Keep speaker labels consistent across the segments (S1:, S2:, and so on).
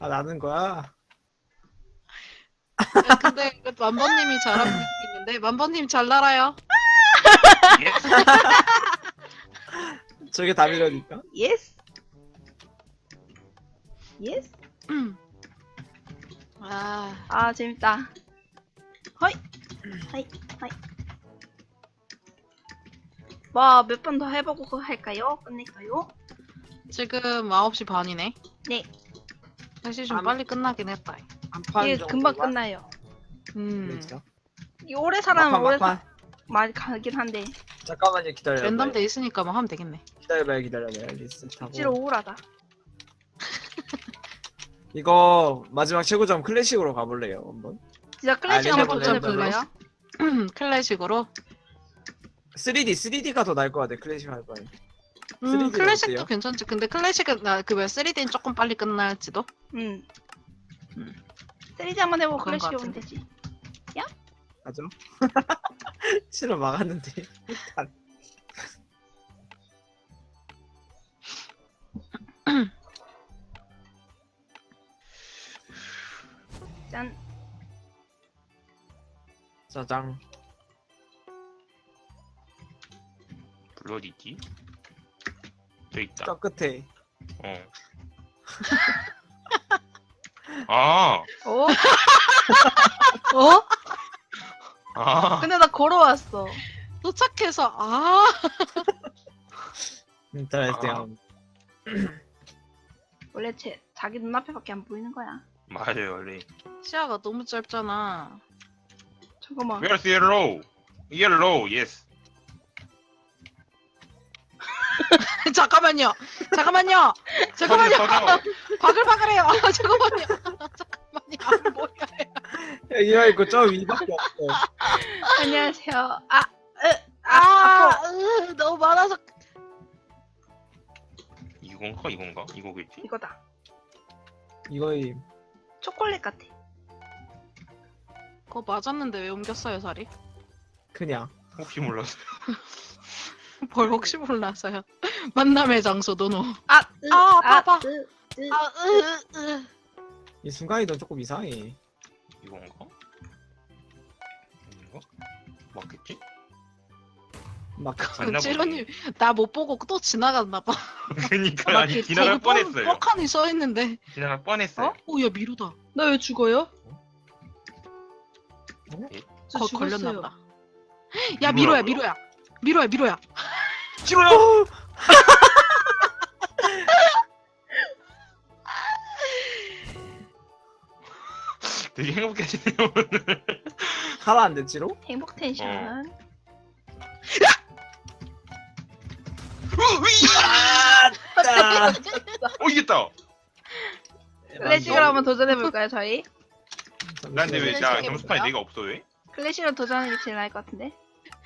S1: 아, 나는 거야?
S2: 야, 근데 만번님이 잘하고 있는데 만번님 잘 날아요.
S3: 예스.
S1: 저게 답이라니까?
S4: 예스. 예스.
S2: 아,
S4: 아 재밌다. 허이. 하이. 하이. 뭐 몇 번 더 해보고 할까요? 끝낼까요?
S2: 지금 9시 반이네.
S4: 네.
S2: 사실 좀
S1: 안-
S2: 빨리 끝나긴 했다.
S1: 한판
S4: 이게
S1: 정도.
S4: 금방 끝나요. 이 오래 살아면 오래
S1: 막판.
S4: 많이 가긴 한데
S1: 잠깐만요, 기다려요.
S2: 랜덤 돼 있으니까 뭐 하면 되겠네.
S1: 기다려봐요. 리셋하고.
S4: 억지로 우울하다.
S1: 이거 마지막 최고점 클래식으로 가볼래요, 한번?
S4: 진짜 클래식
S1: 아니,
S4: 한번
S1: 해볼래요?
S4: 도전해볼까요?
S2: 클래식으로.
S1: 3D가 더 나을 것 같아, 클래식 할 바에. 3D 는
S2: 클래식도
S1: 어때요?
S2: 괜찮지. 근데 클래식은 나그왜 3D는 조금 빨리 끝날지도.
S4: 응.
S2: 음.
S4: 3D 한번 해보고
S2: 그런
S4: 클래식
S2: 것
S4: 오면
S2: 같은데.
S4: 되지.
S1: 가죠? 실험 막았는데.
S4: 짠.
S1: 짜장.
S3: 블루 어디있지? 저 있다.
S1: 저 끝에.
S3: 어. 아.
S4: 어?
S2: 어?
S3: 아.
S4: 근데 나 걸어왔어.
S2: 도착해서 아
S1: 인터넷이야.
S4: 원래 자기 눈앞에밖에 안 보이는 거야.
S3: 맞아요 원래.
S2: 시야가 너무 짧잖아.
S4: 잠깐만.
S3: Where's yellow? Yellow. Yes.
S2: 잠깐만요. 잠깐만요. 잠깐만요.
S3: 터져.
S2: 바글바글해요. 잠깐만요. 잠깐만요. 안 보여요.
S1: 야, 이거 있고 저 위밖에 없어.
S4: 안녕하세요.
S2: 너무 많아서.
S3: 이건가? 이거겠지?
S4: 이거다.
S1: 이거이
S4: 초콜릿 같아.
S2: 그거 맞았는데 왜 옮겼어요, 자리?
S1: 그냥.
S3: 혹시 몰라서.
S2: 뭘 혹시 몰라서요. 만남의 장소 노노.
S4: 봐봐.
S1: 이 순간이동 조금 이상해.
S3: 이건가? 이건가? 맞겠지?
S1: 막
S3: 맞나 보네.
S2: 찌로님 나 못 보고 또 지나갔나 봐.
S3: 그니까 아니 지나갈 뻔했어요.
S2: 뻑하니 써 있는데.
S3: 지나갈 뻔했어요.
S2: 오야 미루다.
S4: 나 왜 죽어요? 저
S2: 거
S4: 죽었어요.
S2: 걸렸나 보다. 야 미로야
S3: 미로라고요?
S2: 미로야.
S3: 싫어요. 되게 행복해지네요 오늘.
S1: 살아안돼 지로?
S4: 행복 텐션.
S1: 아,
S3: 이겼다.
S4: 클래식으로 한번 도전해볼까요, 저희?
S3: 난데 왜 나
S2: 클래식이
S3: 점수판에
S2: 뭐야?
S3: 내가 없어 왜?
S4: 클래식으로 도전하는 게 제일 나을 것 같은데?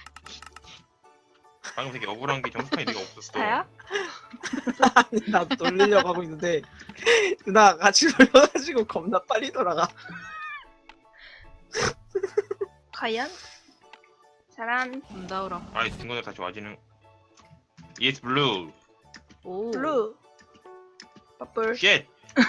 S3: 방금 되게 억울한 게 점수판에 내가 없었어.
S4: 스타야?
S1: 아니 나 돌리려고 하고 있는데 누나 같이 돌려가지고 겁나 빨리 돌아가.
S4: 과연? 잘한
S2: 나오라.
S3: 아이 친구들 다시 와지는. Yes blue.
S2: 오.
S4: 블루. 퍼플.
S3: Shit.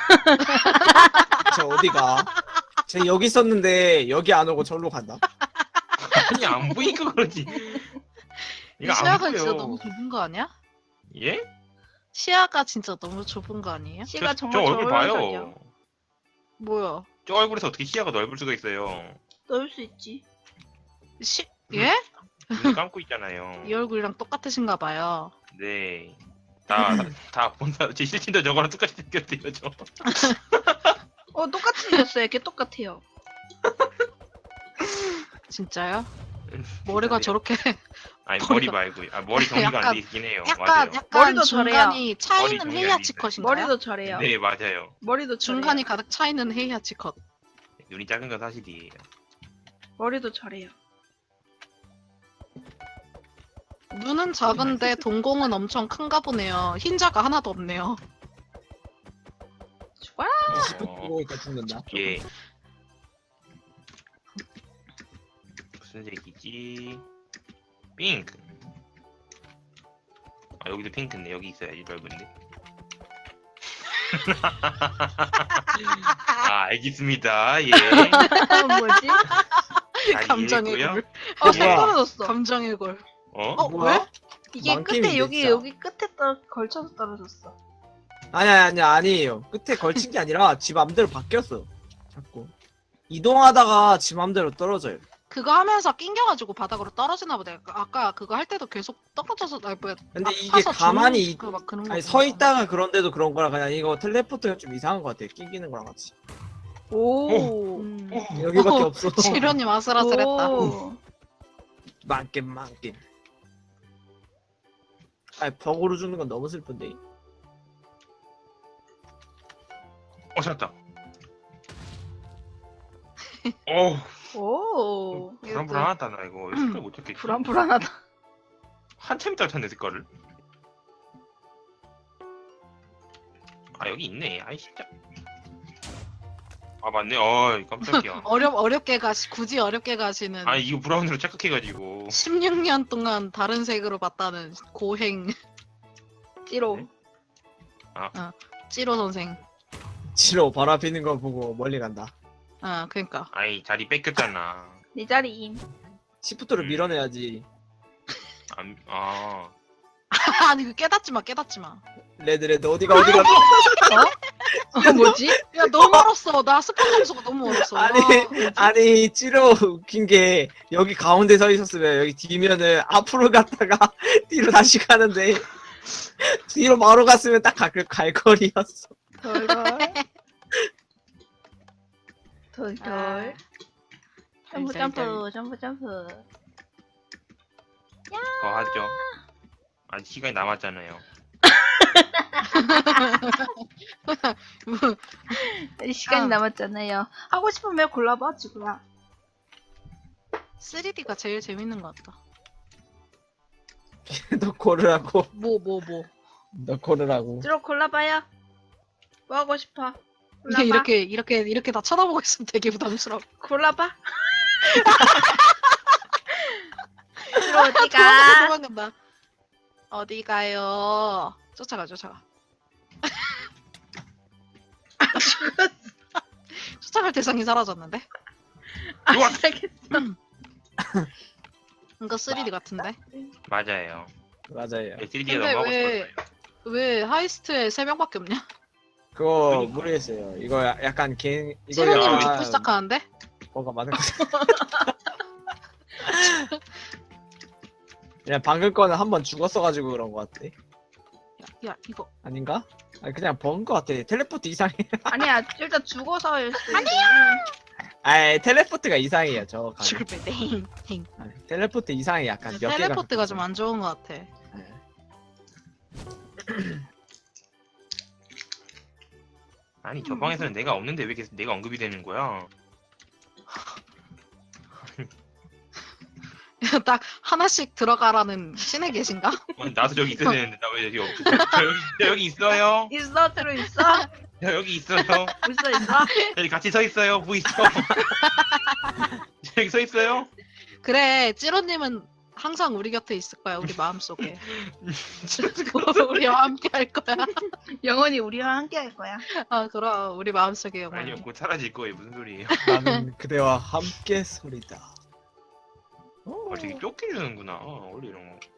S1: 쟤 어디가? 쟤 여기 있었는데 여기 안 오고 절로 간다.
S3: 아니 안 보이니까 그러지.
S2: 이
S3: 이거 안
S2: 시야가
S3: 보여.
S2: 진짜 너무 좁은 거 아니야?
S3: 예?
S2: 시야가 진짜 너무 좁은 거 아니에요?
S4: 씨가
S3: 저
S4: 정말
S3: 얼굴
S4: 저울렁거려.
S3: 봐요.
S2: 뭐야?
S3: 저 얼굴에서 어떻게 시야가 넓을 수가 있어요?
S4: 넣을 수 있지.
S2: 예?
S3: 눈 감고 있잖아요.
S2: 이 얼굴이랑 똑같으신가 봐요.
S3: 네. 다 본다. 제 실친도 저거랑 똑같이 생겼대요, 저.
S4: 똑같이 생겼어요. 걔 똑같아요.
S2: 진짜요? 머리가 저렇게
S3: 아니,
S2: 머리가-
S3: 머리 말고. 아, 머리 정리가 안
S2: 약간-
S3: 돼 있긴 해요.
S2: 약간
S3: 맞아요.
S4: 머리도
S2: 중간이
S3: 머리
S2: 차이는
S3: 정리 안
S2: 헤이아치
S3: 돼 있어요.
S2: 컷인가요?
S4: 머리도 저래요.
S3: 네, 맞아요.
S4: 머리도 저래요.
S2: 중간이 가득 차이는 헤이아치 컷.
S3: 눈이 작은 건 사실이에요.
S4: 머리도 저래요.
S2: 눈은 작은데 동공은 엄청 큰가 보네요. 흰자가 하나도 없네요.
S4: 죽어라.
S1: 20분 보고 있다 죽는다.
S3: 예. 무슨 색이지? 핑크. 아, 여기도 핑크네. 여기 있어야지, 넓은데. 아 알겠습니다. 예.
S4: 뭐지?
S3: 잘
S2: 감정의
S3: 이해했고요.
S2: 골.
S4: 선
S3: 예.
S4: 떨어졌어.
S2: 감정의 골.
S3: 어?
S1: 뭐야?
S2: 왜?
S4: 이게
S1: 망게임인데,
S4: 끝에 여기
S1: 진짜.
S4: 여기 끝에 걸쳐서 떨어졌어.
S1: 아니에요. 끝에 걸친 게 아니라 지 맘대로 바뀌었어. 자꾸 이동하다가 지 맘대로 떨어져요.
S2: 그거 하면서 낑겨가지고 바닥으로 떨어지나 보다. 아까 그거 할 때도 계속 떨어져서 아니 뭐야.
S1: 근데 이게
S2: 아파서
S1: 가만히
S2: 죽는 그 막 그런
S1: 아니
S2: 거
S1: 서
S2: 같은데.
S1: 있다가 그런데도 그런 거라 그냥 이거 텔레포트가 좀 이상한 것 같아. 끼기는 거랑 같이.
S4: 오.
S2: 음.
S1: 여기밖에 없어.
S2: 지련님 아슬아슬했다.
S4: 오.
S1: 만겜. 아니 벽으로 죽는 건 너무 슬픈데.
S3: 찾았다. 어
S4: 오.
S3: 불안불안하다 나 이거 색깔 못 찾겠지.
S4: 불안불안하다.
S3: 한참 있다가 찾네 색깔을. 아 여기 있네. 아이 진짜. 아 맞네. 깜짝이야.
S2: 어렵게 굳이 어렵게 가시는
S3: 아 이거 브라운으로 착각해가지고.
S2: 16년 동안 다른 색으로 봤다는 고행
S4: 찌로.
S3: 네?
S2: 찌로 선생.
S1: 지로 바람 피는 거 보고 멀리 간다.
S2: 그러니까.
S3: 아이 자리 뺏겼잖아.
S4: 네 자리임.
S1: 시프트를 밀어내야지.
S2: 아니 그 깨닫지 마.
S1: 레드 어디가
S4: 뭐지?
S2: 야 너무 멀었어. 나 스폰 점수가 너무 멀었어.
S1: 아니 찌로 웃긴 게 여기 가운데 서 있었으면 여기 뒤면은 앞으로 갔다가 뒤로 다시 가는데 뒤로 바로 갔으면 딱 갈 거리였어.
S4: 덜덜. 점프 점프.
S3: 더 하죠. 아직 시간이 남았잖아요.
S4: 시간이
S2: 아.
S4: 남았잖아요. 하고 싶으면 골라봐 지구야.
S2: 3D가 제일 재밌는 것 같다.
S1: 너 고르라고.
S2: 뭐.
S1: 너 고르라고.
S4: 찌로 골라봐요. 뭐 하고 싶어? 골라봐.
S2: 이렇게 다 쳐다보고 있으면 되게 부담스러워.
S4: 골라봐. 찌로 어디가?
S2: 도망간다. 어디 가요? 쫓아가. 쫓아갈 대상이 사라졌는데?
S4: 알겠어.
S2: 이거 3D 같은데?
S3: 맞아요.
S1: 맞아요.
S3: 3D가
S2: 근데
S3: 너무 하고
S2: 왜-
S3: 싶었어요.
S2: 왜 하이스트에 3명밖에 없냐?
S1: 그거
S3: 그러니까.
S1: 모르겠어요. 이거 약간 개인 이거
S2: 치료님은
S3: 야,
S2: 죽고 시작하는데?
S1: 뭔가 많은 거 같아. 그냥 방금 거는 한 번 죽었어가지고 그런 거 같아.
S2: 야 이거
S1: 아닌가? 아니 그냥 번 거 같아. 텔레포트 이상해.
S4: 아니야 일단 죽어서일 수.
S1: 아 텔레포트가 이상해요. 저 가.
S2: 죽을 때 행.
S1: 텔레포트 이상해 약간 몇 개가.
S2: 텔레포트가 좀 안 좋은 것 같아.
S1: 네.
S3: 아니 저 방에서는 내가 없는데 왜 계속 내가 언급이 되는 거야?
S2: 딱 하나씩 들어가라는 신에 계신가?
S3: 나도 저기 있어야 되는데 나 왜 여기 없지? 저 여기 있어요.
S4: 있어 찌로 있어.
S3: 저 여기 있어요.
S4: 있어.
S3: 여기 같이 서 있어요. 보이죠? 여기 서 있어요.
S2: 그래 찌로님은 항상 우리 곁에 있을 거야. 우리 마음속에. 우리와 함께 할 거야.
S4: 영원히 우리와 함께 할 거야.
S2: 그럼 우리 마음속에
S3: 아니요
S2: 영원히.
S3: 곧 사라질 거예요. 무슨 소리예요?
S1: 나는 그대와 함께 소리다.
S3: 되게 쫓겨주는구나. 원래 이런 거.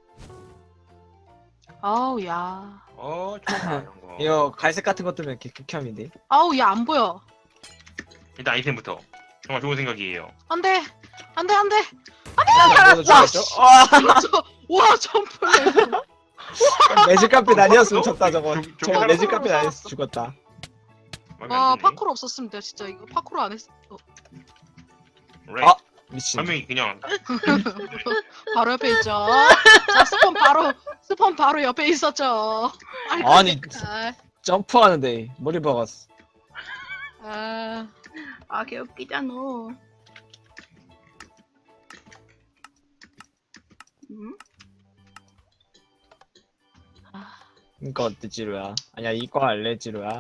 S2: 아우 야.
S3: 좋아 이런 거.
S1: 이거 갈색 같은 것 뜨면 이렇게 극혐인데.
S2: 아우 야 안 보여.
S3: 일단 아이템부터. 정말 좋은 생각이에요.
S2: 안돼.
S1: 나도 죽었죠?
S2: 와 점프.
S1: 매직 카페 아니었으면 졌다 저거.
S3: 저거
S1: 저거 매직 카페
S2: 살았어.
S1: 아니었으면 죽었다.
S3: 마음에 안
S2: 와
S3: 드네.
S2: 파쿠르 없었으면 돼 진짜 이거 파쿠르 안 했어.
S3: Right.
S1: 미친.
S3: 한 명이 그냥
S2: 바로 옆에 있죠. 자 스폰 바로 옆에 있었죠.
S1: 아니
S2: 아,
S1: 점프하는데 머리 박았어.
S2: 아,
S4: 아 개웃기잖아.
S1: 이거 어때 지루야? 아니야 이거 할래 지루야?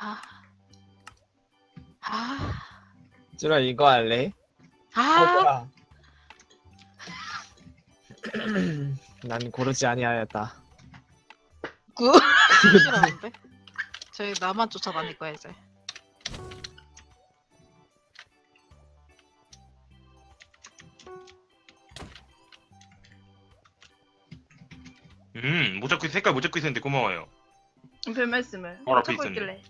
S1: 지루야 이거 할래?
S2: 아,
S1: 난 고르지 아니하였다.
S2: 싫어하는데? 저희 나만 쫓아다닐 거야 이제.
S3: 못 잡고 색깔 못 잡고 있었는데 고마워요.
S4: 별 말씀을.
S3: 바로 앞에
S4: 찾고
S3: 있었네.
S4: 있길래.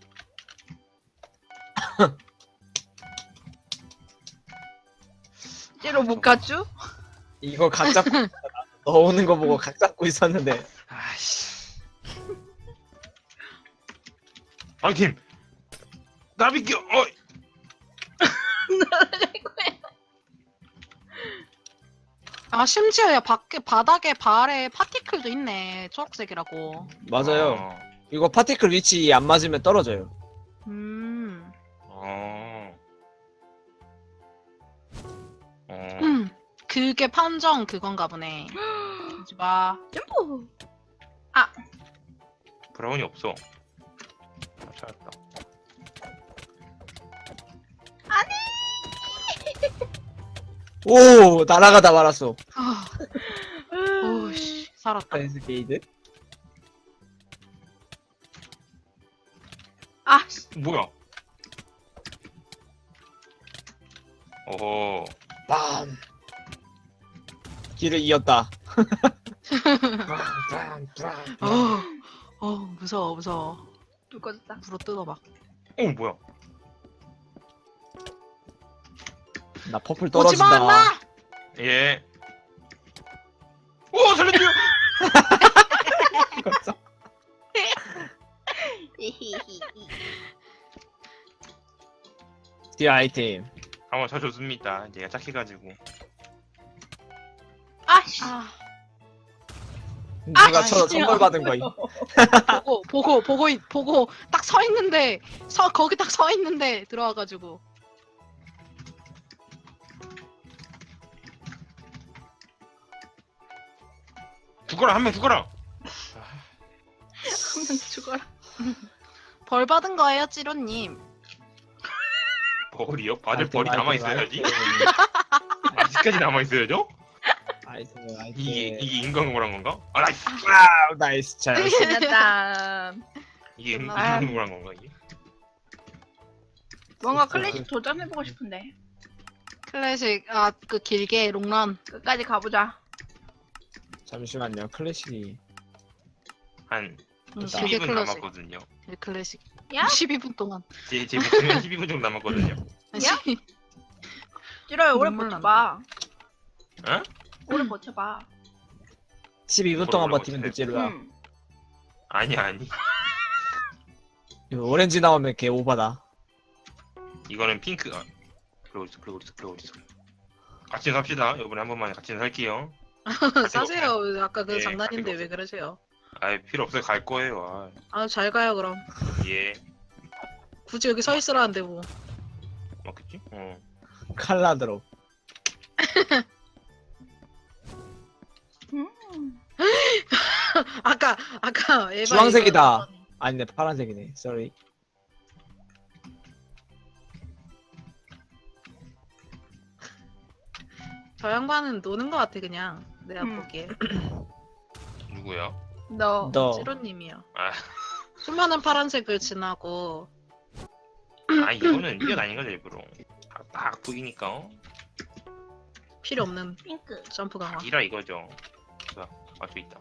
S4: 찌로 못 가죠?
S1: 이거 각 잡고 넣어오는 거 보고 각 잡고 있었는데
S3: 아씨. 아팀 나비겨.
S2: 아 심지어 야 밖에 바닥에 발에 파티클도 있네. 초록색이라고.
S1: 맞아요.
S3: 어.
S1: 이거 파티클 위치 안 맞으면 떨어져요.
S2: 음.
S3: 어.
S2: 그게 판정 그건가 보네. 하지 마.
S4: 점프.
S3: 브라운이 없어. 아, 찾았다.
S1: 오 날아가다 말았어.
S2: 아, 오씨 살았다.
S1: 댄스 게이드.
S4: 아,
S3: 뭐야? 어허.
S1: 빰. 길을 이었다.
S2: 무서워 무서워.
S4: 불 꺼졌다.
S2: 불어 뜯어봐.
S3: 뭐야?
S1: 나 퍼플
S2: 오지 마,
S1: 떨어진다.
S2: 나!
S3: 예. 오 살려줘.
S1: 뒤 아이템.
S3: 한번 쳐줬습니다. 얘가 착해가지고.
S4: 아씨.
S2: 아,
S1: 누가 저
S2: 진짜.
S1: 선물 받은 거임.
S2: 보고 딱 서 있는데 거기 딱 서 있는데 들어와가지고.
S3: 죽어라 한 명 죽어라.
S4: 한명 죽어라.
S2: 벌 받은 거예요, 찌로님.
S3: 벌이요? 다들
S1: 아이템,
S3: 벌이 남아
S1: 아이템,
S3: 있어야지.
S1: 아이템.
S3: 아직까지 남아 있어야죠?
S1: 아이템.
S3: 이게 인간공부란 건가? 아 나이스.
S1: 아, 나이스 잘.
S4: 끝났다.
S3: 이게
S2: 아.
S3: 인간공부란 건가 이게?
S4: 뭔가 클래식 도전해보고 싶은데.
S2: 클래식 그 길게 롱런.
S4: 끝까지 가보자.
S1: 잠시만요. 클래식이
S3: 한
S2: 길게
S3: 12분
S2: 클래식.
S3: 남았거든요.
S2: 클래식.
S4: 야?
S2: 12분 동안.
S3: 제 목표면 12분 정도 남았거든요.
S4: 야? 찌로야 오래
S2: 눈물
S4: 버텨봐.
S3: 어?
S4: 오래 버텨봐.
S1: 12분 동안
S3: 뭐라고
S1: 버티면
S3: 했어요?
S1: 되지루야.
S3: 아니.
S1: 이거 오렌지 나오면 개 오바다.
S3: 이거는 핑크. 그러고 있어. 같이 삽시다. 이번에 한 번만 같이 살게요.
S2: 싸세요. 아까 그
S3: 예,
S2: 장난인데
S3: 가지고
S2: 왜 그러세요?
S3: 필요 없어요. 갈 거예요.
S2: 잘 가요 그럼.
S3: 예.
S2: 굳이 여기 서 있으라는데 뭐.
S3: 맞겠지?
S1: 칼라드로.
S2: 아까 에바
S1: 주황색이다. 아니네 파란색이네. 쏘리.
S2: 저 양반은 노는 것 같아 그냥 내가
S4: 음.
S2: 보기에.
S3: 누구야?
S4: 너.
S1: 너
S2: 찌로님이요.
S3: 아,
S2: 수많은 파란색을 지나고
S3: 이거는 뛰어다닌 거죠 일부러. 딱 보이니까.
S2: 필요 없는
S4: 핑크.
S2: 점프 강화.
S3: 이라 이거죠. 저 있다.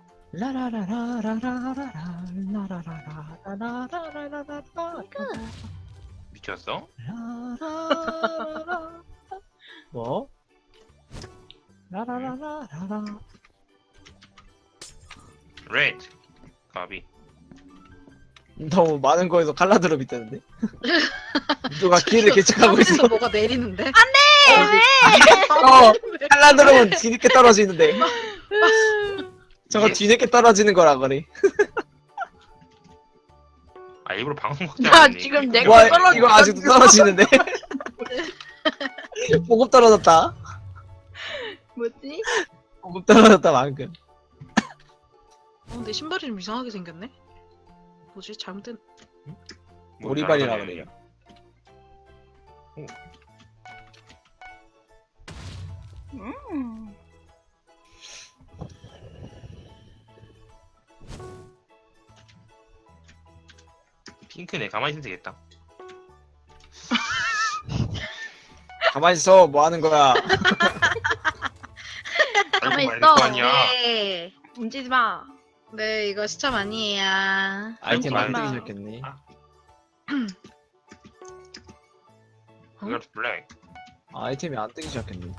S3: 미쳤어?
S1: 뭐? 라라라라라라.
S3: 레드. 가비.
S1: 너무 많은 거에서 칼라드로 밑대는데. 누가 길을 개척하고 있어.
S2: 하늘에서 뭐가 내리는데?
S1: 칼라드로는 뒤늦게 떨어지는데. 저거
S3: 예.
S1: 뒤늦게 떨어지는 거라 그래.
S3: 일부러 방송
S4: 나
S3: 확장했네.
S4: 지금 내가
S1: 와
S4: 떨어졌다.
S1: 이거 아직도 떨어지는데. 보급 떨어졌다.
S4: 뭐지?
S1: 보급 떨어졌다 방금.
S2: 근데 신발이 좀 이상하게 생겼네. 뭐지? 잘못된.
S3: 뭐
S1: 오리발이라
S3: 날아다니는
S1: 그래요.
S4: 음.
S3: 핑크네. 가만히 있으면 되겠다.
S1: 가만히 있어. 뭐 하는 거야?
S4: 가만히
S3: 말할
S4: 있어.
S3: 거 아니야.
S2: 네.
S4: 움직이지 마.
S2: 네, 이거 시참 아니에요.
S1: 아이템 안
S4: 마.
S1: 뜨기 시작했네.
S3: 그걸 블랙.
S1: 아이템이 안 뜨기 시작했네.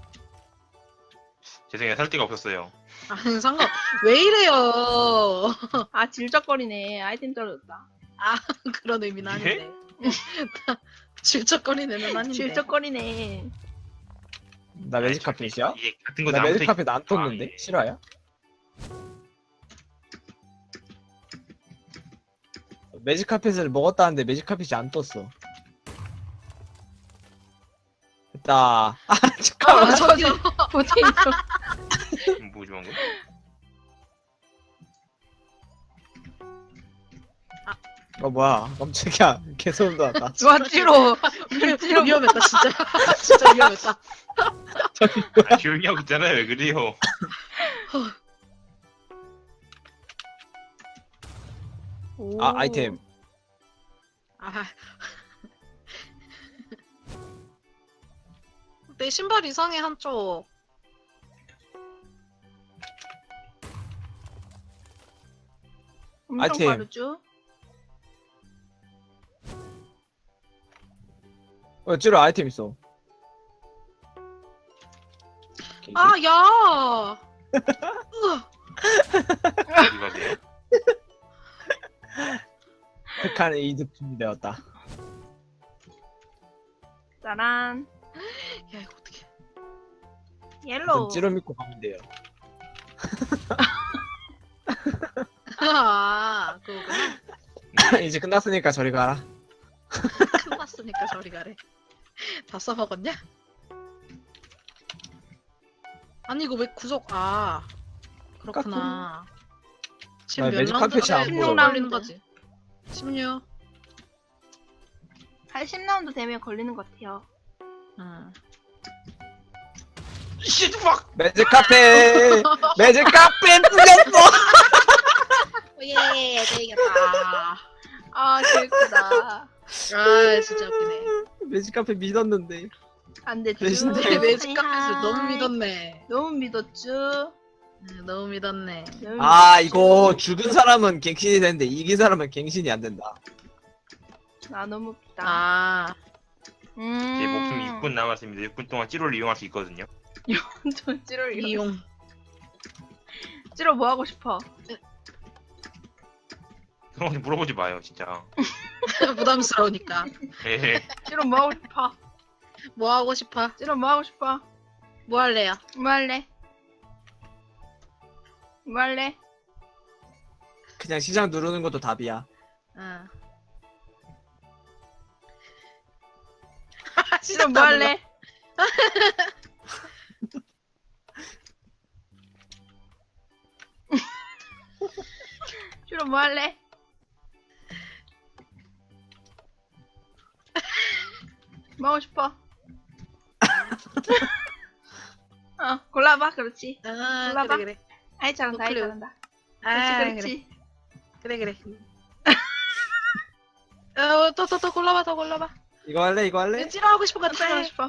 S3: 죄송해요. 살 데가 없었어요.
S2: 아니, 상관, 왜 이래요?
S4: 아 질적거리네. 아이템 떨어졌다.
S2: 그런 의미는
S3: 예?
S2: 아닌데. 질척거리는 아닌데.
S4: 질적거리네.
S1: 나 매직 카펫이야?
S3: 이게 같은 거
S1: 나 매직
S3: 나한테-
S1: 카펫 안
S3: 아,
S1: 떴는데?
S3: 예.
S1: 실화야? 매직 카펫을 먹었다는데 매직 카펫이 안 떴어. 됐다. 아 잠깐만.
S2: 아, 저기.
S4: 포테이토.
S3: 뭐 좋은 거?
S1: 뭐야? 깜짝이야. 개소름 돋았다.
S4: 좋아 찌로.
S2: 위험했다, 진짜. 진짜 위험했다.
S3: 아, 조용히 하고 있잖아요. 왜 그래요?
S1: 아 아이템.
S2: 아. 내 신발 이상해, 한쪽.
S4: 엄청
S1: 아이템.
S4: 빠르죠?
S1: 찌로 아이템 있어.
S2: 아, 야!
S3: 어디 가세요?
S1: 백한의 이득 준비되었다.
S4: 짜란.
S2: 야, 이거 어떡해.
S4: 옐로우.
S1: 찌로 믿고 가면 돼요.
S2: 아, 그거구나.
S1: 이제 끝났으니까 저리 가라.
S2: 끝났으니까 저리 가래. 다 써먹었냐? 아니, 이거 왜 구속, 그렇구나. 지금
S1: 아,
S2: 몇
S1: 매직
S2: 라운드
S1: 카펫이 안
S4: 보여.
S2: 걸리는 거지? 16.
S4: 한 10라운드 되면 걸리는 것 같아요.
S2: 응.
S3: Shit fuck!
S1: 매직 카펫. 매직 카펫 뚫렸어.
S2: 예, 이겼다.
S4: 아 재밌다.
S2: 아, 진짜 웃기네.
S1: 매직 카펫 믿었는데.
S4: 안 됐죠?
S1: 대신
S2: 근데 매직 카펫을
S4: 하이하이.
S2: 너무 믿었네.
S4: 너무 믿었죠?
S2: 너무 믿었네.
S4: 너무
S1: 아
S4: 믿었죠?
S1: 이거 죽은 사람은 갱신이 되는데 이긴 사람은 갱신이 안 된다.
S4: 나 너무 웃기다.
S2: 아,
S3: 제 목숨 6분 남았습니다. 6분 동안 찌로를 이용할 수 있거든요.
S4: 저 찌로
S2: 이용.
S4: 찌로 뭐 하고 싶어?
S3: 형한테 물어보지 마요, 진짜.
S2: 부담스러우니까.
S3: 예.
S4: 찌로 뭐 하고 싶어?
S2: 뭐 하고 싶어?
S4: 찌로 뭐 하고 싶어?
S2: 뭐 할래요?
S4: 뭐 할래? 뭐 할래?
S1: 그냥 시장 누르는 것도 답이야.
S2: 응.
S4: 찌로 뭐 할래? 찌로 뭐 할래? 뭐 하고 싶어? 골라봐. 그렇지.
S2: 아,
S4: 골라봐.
S2: 그래, 그래.
S4: 아이 잘한다. 아이
S2: 노클레오.
S4: 잘한다.
S2: 아,
S4: 그렇지.
S2: 그래, 그래. 또 골라봐, 더 골라봐.
S1: 이거 할래? 이거 할래?
S2: 찌러 하고 싶은 거
S4: 어떤 거 하고
S2: 해.
S4: 싶어?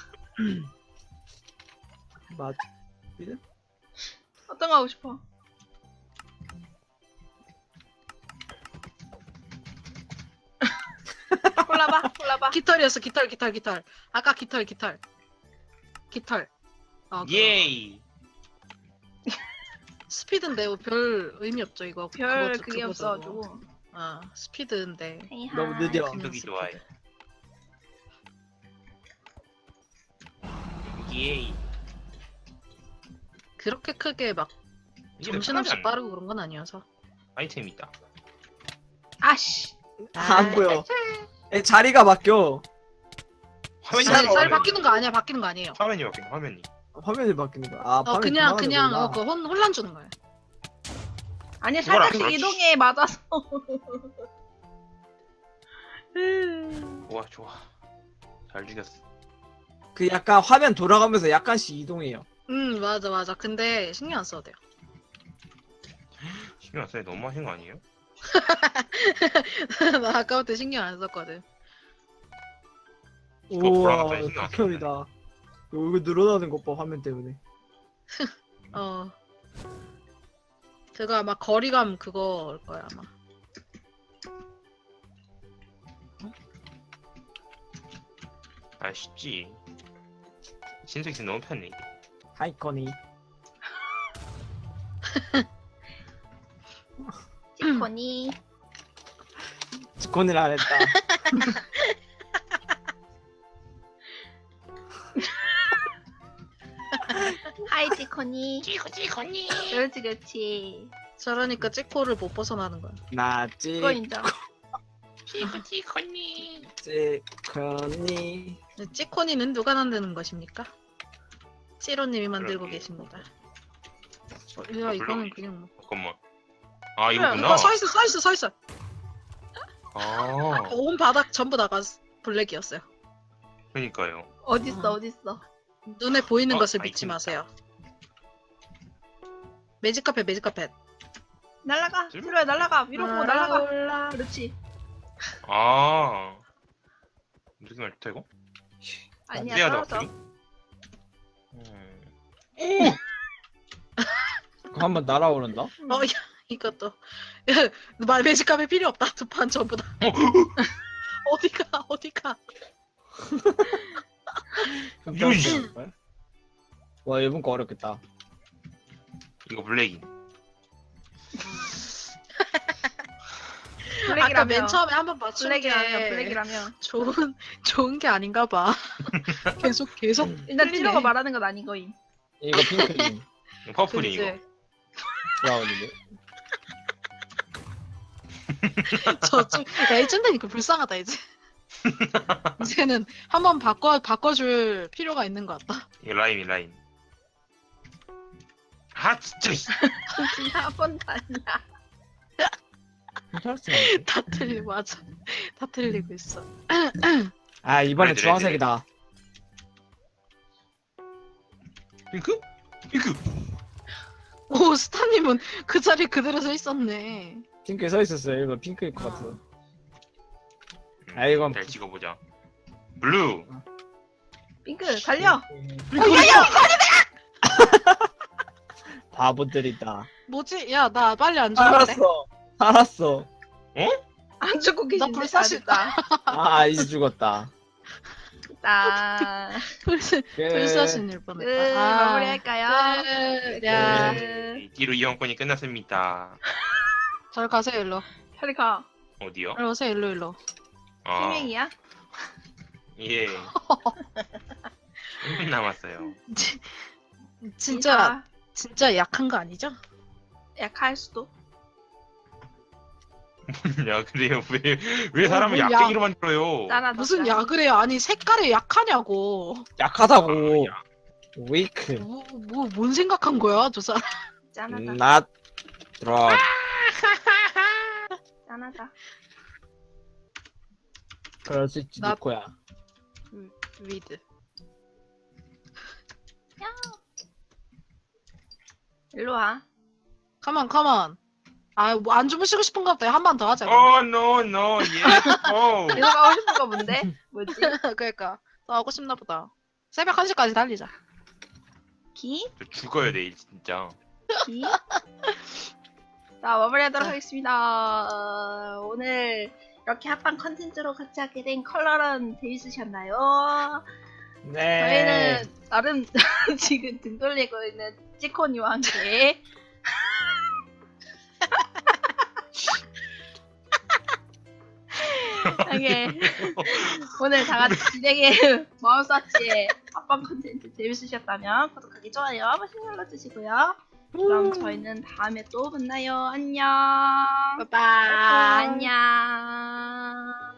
S1: 맞.
S4: 어떤 거 하고 싶어? 골라봐.
S2: 깃털이었어, 깃털. 아까 깃털. 그거.
S3: 예이!
S2: 스피드인데 뭐 별 의미 없죠, 이거.
S4: 별
S2: 그거,
S4: 그게
S2: 그거죠.
S4: 없어가지고.
S2: 스피드인데.
S1: 너무 느려.
S2: 그냥
S3: 저기
S2: 스피드.
S3: 좋아해. 예이.
S2: 그렇게 크게 막
S3: 이게
S2: 정신없이
S3: 편하지 않나?
S2: 빠르고 그런 건 아니어서.
S3: 아이템이 있다.
S4: 아씨.
S1: 안 보여. 자리가 바뀌어.
S3: 화면이
S2: 잘
S3: 바뀌는
S2: 바뀌는 거 아니야, 바뀌는 거 아니에요.
S3: 화면이 바뀌는 화면이.
S1: 화면이 바뀌는 거야. 아, 화면이
S2: 그냥
S1: 돌아가는구나.
S2: 그 혼란 주는 거예요.
S4: 아니
S3: 그걸 안
S4: 살짝씩
S3: 그렇지.
S4: 이동해 맞아서.
S3: 좋아 좋아. 잘 죽였어.
S1: 그 약간 화면 돌아가면서 약간씩 이동해요.
S2: 맞아. 근데 신경 안 써도 돼요.
S3: 신경 안 써요. 너무 하신 거 아니에요?
S2: 나 아까부터 신경 안 썼거든.
S1: 우와
S3: 돌아갔더니 신경 안
S1: 극혐이다. 이거 늘어나는 것 봐 화면 때문에.
S2: 어. 그거 아마 거리감 그거일 거야 아마.
S3: 아 쉽지. 신세계 너무 편해.
S1: 하이커니.
S4: 지코니.
S1: 직권을 안 했다.
S4: 하이 지코니.
S3: 지코니.
S4: 그렇지 그렇지.
S2: 저러니까 찌코를 못 벗어나는 거야.
S1: 나
S4: 그거 인정.
S3: 지코니.
S1: 직권이.
S2: 찌코니는 누가 만드는 것입니까? 찌로님이 만들고
S3: 그러게.
S2: 계십니다. 야 이거는 그냥 뭐.
S3: 잠깐만. 아
S2: 이거
S3: 이거구나.
S2: 서 있어.
S3: 아
S2: 온 바닥 전부 다가 블랙이었어요.
S3: 그러니까요.
S4: 어딨어 어딨어.
S2: 눈에 보이는
S3: 어,
S2: 것을
S3: 아이템
S2: 믿지
S3: 있다.
S2: 마세요. 매직 카펫.
S4: 날라가.
S3: 줄?
S4: 들어야 날라가. 위로 보고 날라가.
S2: 올라.
S4: 그렇지.
S3: 아 무슨 말 좋다 이거?
S4: 아니야
S3: 해야 돼
S4: 떨어져.
S3: 어떻게?
S1: 그거 한번 날아오른다.
S2: 야 이것도. 야, 매직 카펫 필요 없다. 두 판 전부 다. 어디가?
S3: 유지.
S1: 와 이번 거 어렵겠다.
S3: 이거 블랙이.
S2: 아까 맨 처음에 한번 맞춘
S4: 블랙이라면
S2: 게
S4: 블랙이라면.
S2: 좋은 게 아닌가 봐. 계속
S4: 일단
S2: 틀리네.
S4: 찌로가 말하는 건 아니거임.
S1: 이거 핑크님
S3: 퍼플이 이거.
S2: 그치?
S1: 브라운인데.
S2: 저쪽 야 이쯤 되니까 불쌍하다 이제. 이제는 한번 바꿔줄 필요가 있는 것 같다.
S3: 이거 라인. 아 진짜. 씨.
S4: 한 번도 아니야.
S1: 괜찮았어.
S2: 다 틀리고 맞아. 다 틀리고 있어.
S1: 아 이번에
S3: 레드,
S1: 주황색이다.
S3: 핑크?
S2: 오 스타님은 그 자리 그대로 서 있었네.
S1: 핑크에 서 있었어요. 이거 핑크일 것 같아. 아, 이건-
S3: 잘 찍어보자. 블루.
S4: 핑크 달려.
S1: 바보들이다.
S2: 뭐지? 야 나 빨리 안 죽었네.
S1: 알았어.
S4: 안 죽고 계신데.
S2: 불사시다.
S1: 아 이제 죽었다.
S4: 나.
S2: 불사신일 뻔했다.
S4: 마무리할까요?
S2: 야,
S3: 네. 뒤로 이용권이 끝났습니다.
S2: 잘 가세요 일로.
S4: 빨리 가.
S3: 어디요?
S2: 일로 오세요 일로.
S3: 아,
S4: 희명이야?
S3: 예. 1분 남았어요.
S2: 진짜 약한 거 아니죠?
S4: 약할 수도.
S3: 야, 그래요? 왜 사람을
S2: 야.
S3: 약쟁이로 만들어요?
S4: 짠하다.
S2: 무슨
S4: 짠.
S2: 약을 해요? 아니 색깔이 약하냐고.
S1: 약하다고.
S3: 아, 야.
S1: 위크.
S2: 뭔 생각한 거야 저 사람?
S4: 짠하다.
S1: Not drop.
S4: 짠하다.
S1: 그럴 수 있지
S2: 나-
S1: 니코야.
S2: 위드.
S4: 일로 와.
S2: 컴온. 아, 뭐 안 주무시고 싶은가 보다. 한 번 더 하자.
S3: Oh, no, yes, oh.
S4: 계속 하고 싶은 거 뭔데? 뭐지?
S2: 그러니까 더 하고 싶나 보다. 새벽 1시까지 달리자.
S4: 기?
S3: 저 죽어요, 내일, 진짜.
S4: 기? 자, 마무리하도록 하겠습니다. 오늘 이렇게 합방 컨텐츠로 같이 하게 된 컬러런 재밌으셨나요?
S1: 네.
S4: 저희는 나름 지금 등 돌리고 있는 찌코니와 함께 하게 오늘 다 같이 진행해 마음사치의 합방 컨텐츠 재밌으셨다면 구독하기, 좋아요, 버튼 눌러주시고요. 그럼 저희는 다음에 또 만나요. 안녕.
S2: 빠빠.
S4: 안녕.